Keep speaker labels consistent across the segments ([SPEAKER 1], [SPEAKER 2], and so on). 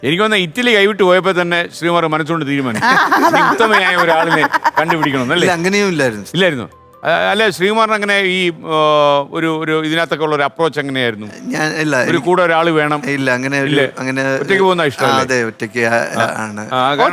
[SPEAKER 1] എനിക്ക് വന്ന ഇറ്റലി കൈവിട്ട് പോയപ്പോ തന്നെ ശ്രീകുമാർ മനസ്സുകൊണ്ട് തീരുമാനിച്ചു ഉത്തമയായ ഒരാളിനെ കണ്ടുപിടിക്കണം അല്ലേ?
[SPEAKER 2] അങ്ങനെയും ഇല്ലായിരുന്നു.
[SPEAKER 1] അല്ല, ശ്രീകുമാറിന് അങ്ങനെ ഈ ഒരു ഇതിനകത്തൊക്കെ ഉള്ള ഒരു അപ്രോച്ച് എങ്ങനെയായിരുന്നു?
[SPEAKER 2] ഞാൻ ഇല്ല,
[SPEAKER 1] ഒരു കൂടെ ഒരാൾ വേണം.
[SPEAKER 2] ഇല്ല, അങ്ങനെ
[SPEAKER 1] ഒറ്റയ്ക്ക് പോകുന്ന ഇഷ്ടം.
[SPEAKER 2] അതെ, ഒറ്റയ്ക്ക് ആണ്.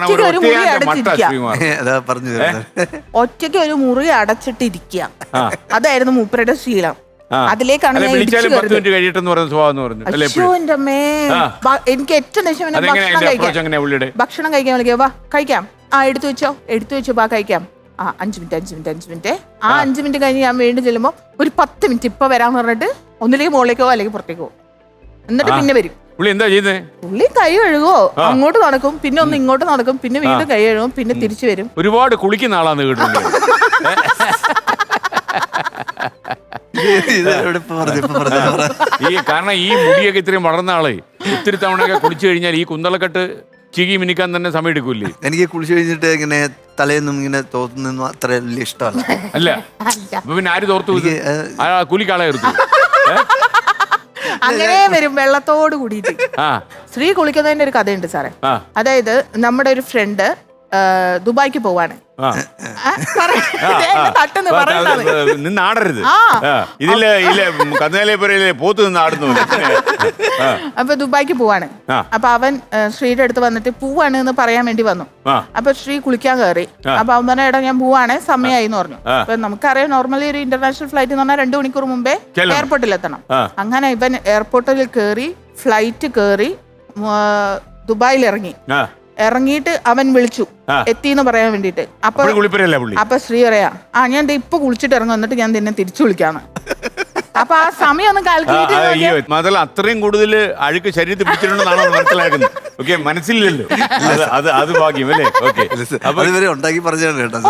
[SPEAKER 2] അതാ പറഞ്ഞു
[SPEAKER 3] ഒറ്റയ്ക്ക് ഒരു മുറി അടച്ചിട്ടിരിക്കുക, അതായിരുന്നു മൂപ്പരുടെ ശീലം. അതിലേക്കാണ്
[SPEAKER 1] വിളിച്ചാലും 10 മിനിറ്റ് കഴിയട്ടെന്ന് പറഞ്ഞ സ്വഭാവം പറഞ്ഞു.
[SPEAKER 3] എനിക്ക് ഏറ്റവും ഭക്ഷണം കഴിക്കാൻ വിളിക്കുക, വാ കഴിക്കാം, എടുത്തു വെച്ചോ വാ കഴിക്കാം. 5 മിനിറ്റ്. ആ 5 മിനിറ്റ് കഴിഞ്ഞ് ഞാൻ വീണ്ടും ചെല്ലുമ്പോൾ ഒരു 10 മിനിറ്റ് ഇപ്പൊ വരാന്ന് പറഞ്ഞിട്ട് ഒന്നിലേക്ക് മുകളിലേക്കോ അല്ലെങ്കിൽ പുറത്തേക്കോ, എന്നിട്ട് പിന്നെ വരും.
[SPEAKER 1] പുള്ളി എന്താ ചെയ്യുന്നത്?
[SPEAKER 3] പുള്ളി കൈ കഴുകുവോ, അങ്ങോട്ട് നടക്കും, പിന്നെ ഒന്ന് ഇങ്ങോട്ട് നടക്കും, പിന്നെ വീണ്ടും കൈ കഴുകും, പിന്നെ തിരിച്ചു വരും.
[SPEAKER 1] ഒരുപാട് കുളിക്കുന്ന ആളാന്ന് കേട്ടിട്ടുണ്ട്. കാരണം ഈ മുടിയൊക്കെ ഇത്രയും വളർന്ന ആളെ ഒത്തിരി തവണയൊക്കെ കുളിച്ചു കഴിഞ്ഞാൽ ഈ കുന്തളക്കെട്ട് ചികി മിനിക്കാൻ തന്നെ സമയം എടുക്കൂല്ലേ?
[SPEAKER 2] എനിക്ക് കുളിച്ചു കഴിഞ്ഞിട്ട് ഇങ്ങനെ തലേന്നും ഇങ്ങനെ തോർത്തുനിന്നും അത്ര വലിയ ഇഷ്ടമല്ല.
[SPEAKER 1] അല്ല, പിന്നെ ആര് തോർത്തു? കൂലിക്കാളായിരുന്നു.
[SPEAKER 3] അങ്ങനെ വരും വെള്ളത്തോട് കൂടിയിട്ട്. സ്ത്രീ കുളിക്കുന്നതിന്റെ ഒരു കഥയുണ്ട് സാറേ. അതായത് നമ്മുടെ ഒരു ഫ്രണ്ട് ദുബായ്ക്ക് പോവാണ്.
[SPEAKER 1] നിന്നാടരുത്, പോത്ത് നിന്നാടുന്നു.
[SPEAKER 3] അപ്പൊ ദുബായ്ക്ക് പോവാണ്. അപ്പൊ അവൻ ശ്രീയുടെ അടുത്ത് വന്നിട്ട് പോവാണ് എന്ന് പറയാൻ വേണ്ടി വന്നു. അപ്പൊ ശ്രീ കുളിക്കാൻ കയറി. അപ്പൊ അവൻ പറഞ്ഞ ഇടം ഞാൻ പോവാണ്, സമയമായി എന്ന് പറഞ്ഞു. അപ്പൊ നമുക്കറിയാം നോർമലി ഒരു ഇന്റർനാഷണൽ ഫ്ലൈറ്റ് എന്ന് പറഞ്ഞാൽ 2 മണിക്കൂർ മുമ്പേ എയർപോർട്ടിൽ എത്തണം. അങ്ങനെ ഇവൻ എയർപോർട്ടിൽ കയറി, ഫ്ലൈറ്റ് കയറി, ദുബായിൽ ഇറങ്ങിയിട്ട് അവൻ വിളിച്ചു എത്തിന്ന് പറയാൻ വേണ്ടിട്ട്. അപ്പൊ ശ്രീ പറയാ, ഞാൻ ഇപ്പൊ കുളിച്ചിട്ട് ഇറങ്ങും, എന്നിട്ട് ഞാൻ നിന്നെ തിരിച്ചു വിളിക്കാന്ന്. അപ്പൊ ആ സമയം ഒന്ന് കാൽക്കുലേറ്റ്.
[SPEAKER 1] അത്രയും കൂടുതൽ അഴുക്ക് ശരീരത്തിൽ പിടിച്ചിട്ടുണ്ടെന്നാണ് മനസ്സിലാക്കുന്നത്. ഓക്കെ, മനസ്സിലല്ലോ, അത് ഭാഗ്യം അല്ലേ? ഓക്കെ,
[SPEAKER 2] ഉണ്ടാക്കി പറഞ്ഞാണ് കേട്ടോ.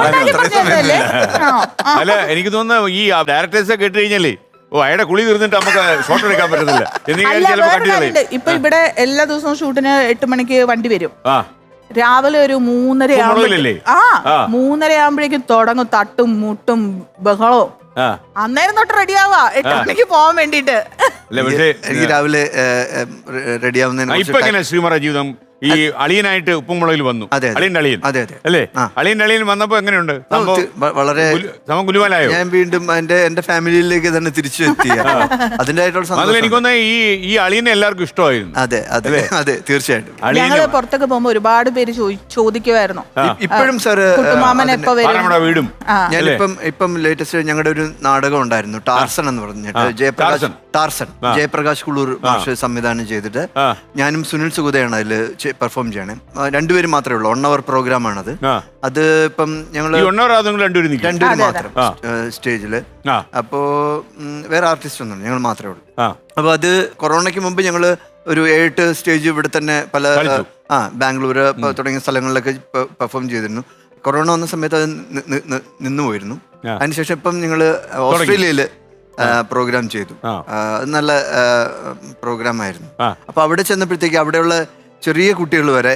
[SPEAKER 1] അല്ല, എനിക്ക് തോന്നുന്നു ഈ ഡയറക്ടേഴ്സ് കേട്ട് കഴിഞ്ഞാലേ അയാളുടെ കുളി തീർന്നിട്ട് നമുക്ക് ഷോട്ട് എടുക്കാൻ പറ്റത്തില്ല.
[SPEAKER 3] ഇപ്പൊ ഇവിടെ എല്ലാ ദിവസവും ഷൂട്ടിന് 8 മണിക്ക് വണ്ടി വരും. രാവിലെ ഒരു 3:30 ആകുമ്പോഴേക്കും തുടങ്ങും തട്ടും മുട്ടും ബഹളവും. അന്നേരം തൊട്ട് റെഡിയാവാ 8 മണിക്ക് പോവാൻ വേണ്ടിട്ട്.
[SPEAKER 2] എനിക്ക് രാവിലെ റെഡിയാവുന്നതിന്
[SPEAKER 1] ശ്രീമാറ ജീവിതം ഈ അളിയനായിട്ട് ഉപ്പുമുളകിൽ വന്നു. അളിയന്റെ അളിയൻ അല്ലേ? അളിയന്റെ അളിയൻ വന്നപ്പോ എങ്ങനെയുണ്ട്?
[SPEAKER 2] വളരെ
[SPEAKER 1] ഗുലുവാലായോ?
[SPEAKER 2] ഞാൻ വീണ്ടും എന്റെ ഫാമിലിയിലേക്ക് തന്നെ തിരിച്ചു എത്തി. അതിന്റെ
[SPEAKER 1] എനിക്കൊന്ന് ഈ അളിയനെ എല്ലാവർക്കും ഇഷ്ടമായിരുന്നു.
[SPEAKER 2] അതെ, തീർച്ചയായിട്ടും.
[SPEAKER 3] ഞങ്ങള് പുറത്തൊക്കെ പോകുമ്പോ ഒരുപാട് പേര് ചോദിക്കുമായിരുന്നു
[SPEAKER 2] ഇപ്പോഴും സാർ
[SPEAKER 1] വീടും.
[SPEAKER 2] ഇപ്പം ലേറ്റസ്റ്റ് ഞങ്ങളുടെ ഒരു നാടകം ഉണ്ടായിരുന്നു, ടാർസൺ എന്ന് പറഞ്ഞിട്ട്. ജയപ്രകാശ് കുളൂർ മാഷ് സംവിധാനം ചെയ്തിട്ട് ഞാനും സുനിൽ സുഗതയാണ് അതിൽ പെർഫോം ചെയ്യണേ. 2 പേര് മാത്രമേ ഉള്ളൂ. 1 hour പ്രോഗ്രാം ആണത്. അത് ഇപ്പം ഞങ്ങള് 2 മാത്രം സ്റ്റേജില്. അപ്പോ വേറെ ആർട്ടിസ്റ്റ് ഒന്നും ഞങ്ങൾ മാത്രമേ ഉള്ളൂ. അപ്പൊ അത് കൊറോണയ്ക്ക് മുമ്പ് ഞങ്ങള് ഒരു 7 സ്റ്റേജ് ഇവിടെ തന്നെ പല ബാംഗ്ലൂര് തുടങ്ങിയ സ്ഥലങ്ങളിലൊക്കെ പെർഫോം ചെയ്തിരുന്നു. കൊറോണ വന്ന സമയത്ത് അത് നിന്നു പോയിരുന്നു. അതിനുശേഷം ഇപ്പം ഞങ്ങള് ഓസ്ട്രേലിയയില് പ്രോഗ്രാം ചെയ്തു. നല്ല പ്രോഗ്രാം ആയിരുന്നു. അപ്പൊ അവിടെ ചെന്നപ്പോഴത്തേക്ക് അവിടെയുള്ള ചെറിയ കുട്ടികൾ വരെ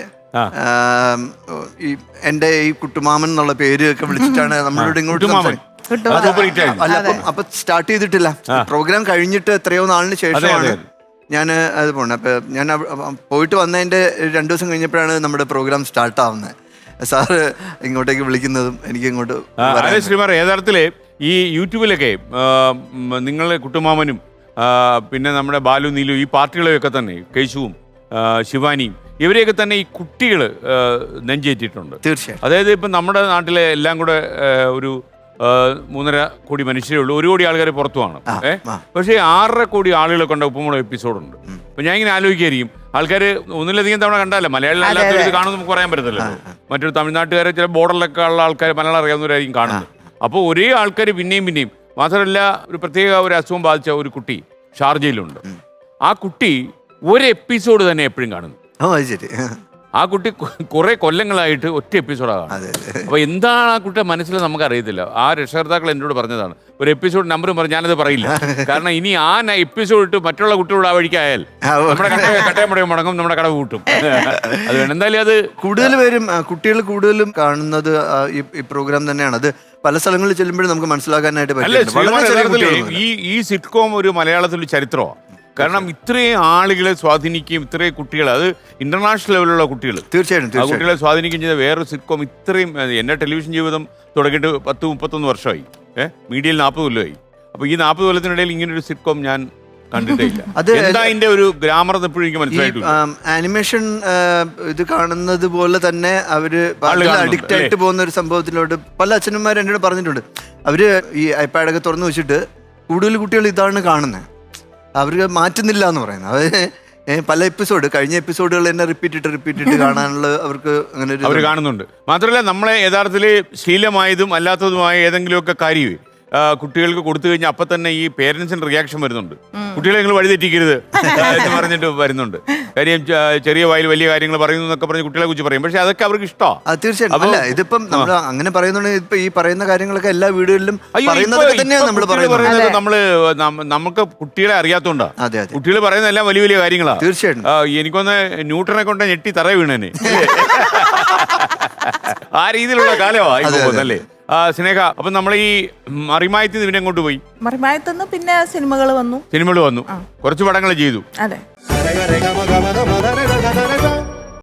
[SPEAKER 2] എന്റെ ഈ കുട്ടുമാമൻ എന്നുള്ള പേര് ഒക്കെ വിളിച്ചിട്ടാണ് നമ്മളോട് ഇങ്ങോട്ട്. അല്ല, അപ്പൊ സ്റ്റാർട്ട് ചെയ്തിട്ടില്ല. പ്രോഗ്രാം കഴിഞ്ഞിട്ട് എത്രയോ നാളിന് ശേഷമാണ് ഞാൻ അത് പോണേ. അപ്പൊ ഞാൻ പോയിട്ട് വന്നതിന്റെ 2 ദിവസം കഴിഞ്ഞപ്പോഴാണ് നമ്മുടെ പ്രോഗ്രാം സ്റ്റാർട്ട് ആവുന്നത്. സാറ് ഇങ്ങോട്ടേക്ക് വിളിക്കുന്നതും എനിക്ക് ഇങ്ങോട്ട്.
[SPEAKER 1] ശ്രീമാർ, യഥാർത്ഥത്തില് ഈ യൂട്യൂബിലൊക്കെ നിങ്ങളെ കുട്ടുമാമനും പിന്നെ നമ്മുടെ ബാലു നീലു ഈ പാർട്ടികളെയൊക്കെ തന്നെ കേശുവും ശിവാനിയും ഇവരെയൊക്കെ തന്നെ ഈ കുട്ടികൾ നെഞ്ചേറ്റിട്ടുണ്ട്.
[SPEAKER 2] തീർച്ചയായും.
[SPEAKER 1] അതായത് ഇപ്പം നമ്മുടെ നാട്ടിലെ എല്ലാം കൂടെ ഒരു 3.5 കോടി മനുഷ്യരേ ഉള്ളൂ. 1 കോടി ആൾക്കാർ പുറത്തുമാണ്. പക്ഷേ 6.5 കോടി ആളുകളെ കൊണ്ട് ഉപ്പുമുളക് എപ്പിസോഡുണ്ട്. അപ്പം ഞാൻ ഇങ്ങനെ ആലോചിക്കായിരിക്കും, ആൾക്കാർ ഒന്നിലധികം തവണ കണ്ടല്ല, മലയാളം അല്ലാത്തവർ ഇത് കാണുമെന്ന് നമുക്ക് പറയാൻ പറ്റത്തില്ല. മറ്റൊരു തമിഴ്നാട്ടുകാരെ ചില ബോർഡറിലൊക്കെ ഉള്ള ആൾക്കാർ മലയാളം അറിയാവുന്നവരായിരിക്കും കാണുന്നത്. അപ്പോൾ ഒരേ ആൾക്കാർ പിന്നെയും മാത്രമല്ല, ഒരു പ്രത്യേക ഒരു അസുഖം ബാധിച്ച ഒരു കുട്ടി ഷാർജയിലുണ്ട്. ആ കുട്ടി ഒരു എപ്പിസോഡ് തന്നെ എപ്പോഴും കാണുന്നു. ആ കുട്ടി കുറെ കൊല്ലങ്ങളായിട്ട് ഒറ്റ എപ്പിസോഡാണ്. അപ്പൊ എന്താണ് ആ കുട്ടിയുടെ മനസ്സിൽ നമുക്ക് അറിയത്തില്ല. ആ രക്ഷകർത്താക്കൾ എന്നോട് പറഞ്ഞതാണ്, ഒരു എപ്പിസോഡ് നമ്പറും പറഞ്ഞ് ഞാനത് പറയില്ല. കാരണം ഇനി ആ എപ്പിസോഡ് ഇട്ട് മറ്റുള്ള കുട്ടികളോട് ആ വഴിക്കായാൽ നമ്മുടെ കട്ടയമുടയും മുടങ്ങും, നമ്മുടെ കടവ് കൂട്ടും. അത് വേണം. എന്തായാലും അത്
[SPEAKER 2] കൂടുതൽ പേരും കുട്ടികൾ കൂടുതലും കാണുന്നത് ഈ പ്രോഗ്രാം തന്നെയാണ്. അത് പല സ്ഥലങ്ങളിൽ ചെല്ലുമ്പോഴും നമുക്ക് മനസ്സിലാക്കാനായിട്ട് പറ്റില്ല.
[SPEAKER 1] ഈ സിറ്റ്കോം ഒരു മലയാളത്തിൽ ചരിത്രമാണ്. കാരണം ഇത്രയും ആളുകളെ സ്വാധീനിക്കുകയും ഇത്രയും കുട്ടികൾ, അത് ഇന്റർനാഷണൽ ലെവലിലുള്ള കുട്ടികൾ,
[SPEAKER 2] തീർച്ചയായിട്ടും
[SPEAKER 1] ആ കുട്ടികളെ സ്വാധീനിക്കുകയും ചെയ്ത വേറൊരു സിറ്റ്കോം ഇത്രയും എൻ്റെ ടെലിവിഷൻ ജീവിതം തുടങ്ങിയിട്ട് 10-31 വർഷമായി. മീഡിയയിൽ 40 കൊല്ലമായി. അപ്പോൾ ഈ 40 കൊല്ലത്തിനിടയിൽ ഇങ്ങനൊരു സിറ്റ്കോം ഞാൻ കണ്ടിട്ടേ ഇല്ല. എന്താ അതിന്റെ ഒരു ഗ്രാമർ എപ്പോഴും എനിക്ക് മനസ്സിലായിട്ടില്ല.
[SPEAKER 2] ആനിമേഷൻ ഇത് കാണുന്നത് പോലെ തന്നെ അവര് അഡിക്റ്റ് ആയിട്ട് പോകുന്ന ഒരു സംഭവത്തിലോട്ട് പല അച്ഛനന്മാർ എന്നോട് പറഞ്ഞിട്ടുണ്ട്. അവര് ഈ ഐപാഡൊക്കെ തുറന്നു വെച്ചിട്ട് കൂടുതൽ കുട്ടികൾ ഇതാണ് കാണുന്നത്, അവർക്ക് മാറ്റുന്നില്ല എന്ന് പറയുന്നത്. അവര് പല കഴിഞ്ഞ എപ്പിസോഡുകൾ തന്നെ റിപ്പീറ്റ് കാണാനുള്ള അവർക്ക് അങ്ങനെ
[SPEAKER 1] അവർ കാണുന്നുണ്ട്. മാത്രമല്ല നമ്മളെ യഥാർത്ഥത്തിൽ ശീലമായതും അല്ലാത്തതുമായ ഏതെങ്കിലുമൊക്കെ കാര്യം കുട്ടികൾക്ക് കൊടുത്തു കഴിഞ്ഞാൽ അപ്പം തന്നെ ഈ പേരൻസിന് റിയാക്ഷൻ വരുന്നുണ്ട്. കുട്ടികളെ നിങ്ങൾ വഴിതെറ്റിക്കരുത് എന്ന് പറഞ്ഞിട്ട് വരുന്നുണ്ട്. കാര്യം ചെറിയ വായിൽ വലിയ കാര്യങ്ങൾ പറയുന്നു എന്നൊക്കെ പറഞ്ഞ് കുട്ടികളെ കുറിച്ച് പറയും. പക്ഷെ അതൊക്കെ അവർക്ക് ഇഷ്ടമാണ്.
[SPEAKER 2] തീർച്ചയായിട്ടും. അല്ല, ഇതിപ്പം നമ്മൾ അങ്ങനെ പറയുന്നുണ്ടെങ്കിൽ ഇപ്പൊ ഈ പറയുന്ന കാര്യങ്ങളൊക്കെ എല്ലാ വീടുകളിലും തന്നെയാണ് നമ്മൾ പറയുന്നത്.
[SPEAKER 1] നമുക്ക് കുട്ടികളെ അറിയാത്തോണ്ടാ.
[SPEAKER 2] അതെ,
[SPEAKER 1] കുട്ടികൾ പറയുന്ന എല്ലാം വലിയ വലിയ കാര്യങ്ങളാണ്.
[SPEAKER 2] തീർച്ചയായിട്ടും.
[SPEAKER 1] എനിക്കൊന്ന് ന്യൂട്ടനെ കൊണ്ട് ഞെട്ടി തറ വീണേനെ ആ രീതിയിലുള്ള കാലമാണല്ലേ സ്നേഹ. അപ്പൊ നമ്മൾ ഈ മറിമായത്തിൽ പിന്നെ എങ്ങോട്ട് പോയി?
[SPEAKER 4] മറിമായത്തുനിന്ന് പിന്നെ സിനിമകൾ വന്നു.
[SPEAKER 1] കുറച്ച് പടങ്ങൾ ചെയ്തു.
[SPEAKER 4] അതെ.